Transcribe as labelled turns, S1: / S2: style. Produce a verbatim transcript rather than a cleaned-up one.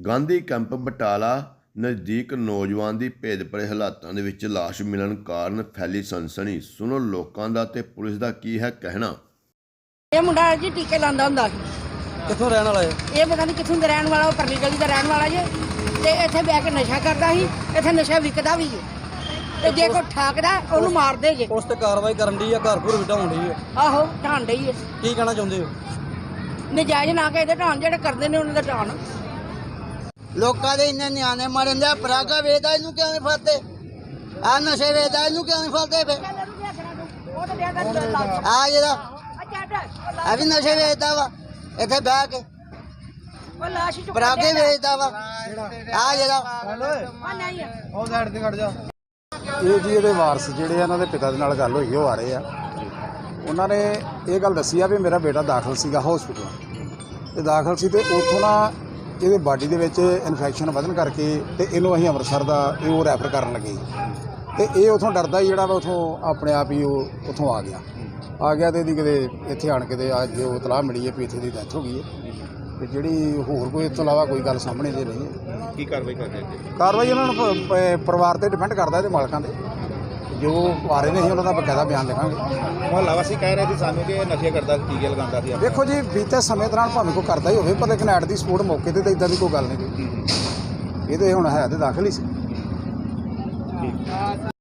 S1: Gandhi camp Batala ਨਜ਼ਦੀਕ ਨੌਜਵਾਨ ਦੀ ਭੇਦਭਰੇ ਹਾਲਾਤਾਂ ਦੇ ਵਿੱਚ ਲਾਸ਼ ਮਿਲਣ ਕਾਰਨ ਫੈਲੀ ਸਨਸਨੀ। ਸੁਣੋ ਲੋਕਾਂ ਦਾ ਤੇ ਪੁਲਿਸ ਦਾ ਕੀ ਹੈ ਕਹਿਣਾ।
S2: ਇਹ ਮੁੰਡਾ ਜੀ ਟੀਕੇ ਲਾਉਂਦਾ ਹੁੰਦਾ ਸੀ।
S3: ਕਿੱਥੋਂ ਰਹਿਣ ਵਾਲਾ ਹੈ
S2: ਇਹ ਪਤਾ ਨਹੀਂ ਕਿੱਥੋਂ ਦਾ ਰਹਿਣ ਵਾਲਾ, ਉਹ ਪਰਲੀ ਗਲੀ ਦਾ ਰਹਿਣ ਵਾਲਾ ਜੇ। ਤੇ ਇੱਥੇ ਬਹਿ ਕੇ ਨਸ਼ਾ ਕਰਦਾ ਸੀ, ਇੱਥੇ ਨਸ਼ਾ ਵਿਕਦਾ ਵੀ ਹੈ। ਤੇ ਜੇ ਕੋਈ ਠਾਕਦਾ ਉਹਨੂੰ ਮਾਰਦੇ ਜੇ।
S3: ਉਸ ਤੇ ਕਾਰਵਾਈ ਕਰਨ ਦੀ ਆ, ਘਰ ਘਰ ਵਿਟਾਉਣ ਦੀ ਆ।
S2: ਆਹੋ ਢਾਣ ਡਈ ਹੈ।
S3: ਕੀ ਕਹਿਣਾ ਚਾਹੁੰਦੇ ਹੋ?
S2: ਨਜਾਇਜ਼ ਨਾ ਕੇ ਇਹਦੇ ਢਾਣ ਜਿਹੜੇ ਕਰਦੇ ਨੇ ਉਹਨਾਂ ਦਾ ਢਾਣ।
S4: ਲੋਕਾਂ ਦੇ ਇੰਨੇ ਨਿਆਣੇ ਮਰਨ ਦੇ ਪਰਾਗਾ ਵੇਚਦਾ, ਇਹਨੂੰ ਕਿਉਂ ਨਹੀਂ ਫੜਦੇ? ਆ ਨਸ਼ੇ ਵੇਚਦਾ, ਇਹਨੂੰ ਕਿਉਂ ਨਹੀਂ ਫੜਦੇ? ਫੇ ਆ ਜਿਹੜਾ ਆ ਵੀ ਨਸ਼ੇ ਵੇਚਦਾ ਵਾ, ਇੱਥੇ ਬਹਿ ਕੇ ਪਰਾਗੇ ਵੇਚਦਾ ਵਾ। ਆ ਜਿਹੜਾ
S3: ਉਹ ਸਾਈਡ ਤੇ ਖੜ ਜਾ।
S5: ਇਹ ਜੀ ਇਹਦੇ ਵਾਰਸ ਜਿਹੜੇ ਆ, ਇਹਨਾਂ ਦੇ ਪਿਤਾ ਦੇ ਨਾਲ ਗੱਲ ਹੋਈ, ਉਹ ਆ ਰਹੇ ਆ। ਉਹਨਾਂ ਨੇ ਇਹ ਗੱਲ ਦੱਸੀ ਆ ਵੀ ਮੇਰਾ ਬੇਟਾ ਦਾਖਲ ਸੀਗਾ ਹਸਪੀਟਲ ਤੇ ਦਾਖਲ ਸੀ ਤੇ ਉੱਥੋਂ ਨਾ ਇਹਦੇ ਬਾਡੀ ਦੇ ਵਿੱਚ ਇਨਫੈਕਸ਼ਨ ਵਧਣ ਕਰਕੇ ਤੇ ਇਹਨੂੰ ਅਸੀਂ ਅੰਮ੍ਰਿਤਸਰ ਦਾ ਇਹ ਉਹ ਰੈਫਰ ਕਰਨ ਲੱਗੇ ਤੇ ਇਹ ਉੱਥੋਂ ਡਰਦਾ ਹੀ ਜਿਹੜਾ ਵਾ ਉੱਥੋਂ ਆਪਣੇ ਆਪ ਹੀ ਉਹ ਉੱਥੋਂ ਆ ਗਿਆ ਆ ਗਿਆ ਤੇ ਇਹਦੀ ਕਿਤੇ ਇੱਥੇ ਆਣ ਕੇ ਤੇ ਅੱਜ ਉਹ ਇਤਲਾਹ ਮਿਲੀ ਹੈ ਵੀ ਇੱਥੇ ਦੀ ਡੈਥ ਹੋ ਗਈ ਹੈ ਤੇ ਜਿਹੜੀ ਹੋਰ ਕੋਈ ਇਸ ਤੋਂ ਇਲਾਵਾ ਕੋਈ ਗੱਲ ਸਾਹਮਣੇ ਦੇ ਨਹੀਂ ਹੈ।
S6: ਕੀ ਕਾਰਵਾਈ ਕਰਦੇ ਜੀ?
S5: ਕਾਰਵਾਈ ਉਹਨਾਂ ਨੂੰ ਪ- ਪ- ਪਰਿਵਾਰ ਤੇ ਡਿਪੈਂਡ ਕਰਦਾ, ਇਹਦੇ ਮਾਲਕਾਂ ਤੇ ਜੋ ਆ ਰਹੇ ਨੇ ਅਸੀਂ ਉਹਨਾਂ ਦਾ ਬਕਾਇਦਾ ਬਿਆਨ ਲਿਖਾਂਗੇ।
S6: ਮੁਹੱਲਾ ਵਾਸੀ ਕਹਿ ਰਹੇ ਸੀ ਸਾਨੂੰ ਕਿ ਇਹ ਨਸ਼ੇ ਕਰਦਾ ਸੀ, ਟੀਕੇ ਲਗਾਉਂਦਾ ਸੀ।
S5: ਦੇਖੋ ਜੀ, ਬੀਤੇ ਸਮੇਂ ਦੌਰਾਨ ਭਾਵੇਂ ਕੋਈ ਕਰਦਾ ਹੀ ਹੋਵੇ, ਪਰ ਲੇਕਿਨ ਐਟ ਦੀ ਸਪੋਰਟ ਮੌਕੇ ਤੇ ਤਾਂ ਇਦਾਂ ਦੀ ਕੋਈ ਗੱਲ ਨਹੀਂ ਕੋਈ। ਇਹਦੇ ਹੁਣ ਹੈ ਤੇ ਦਾਖਲ ਹੀ ਸੀ।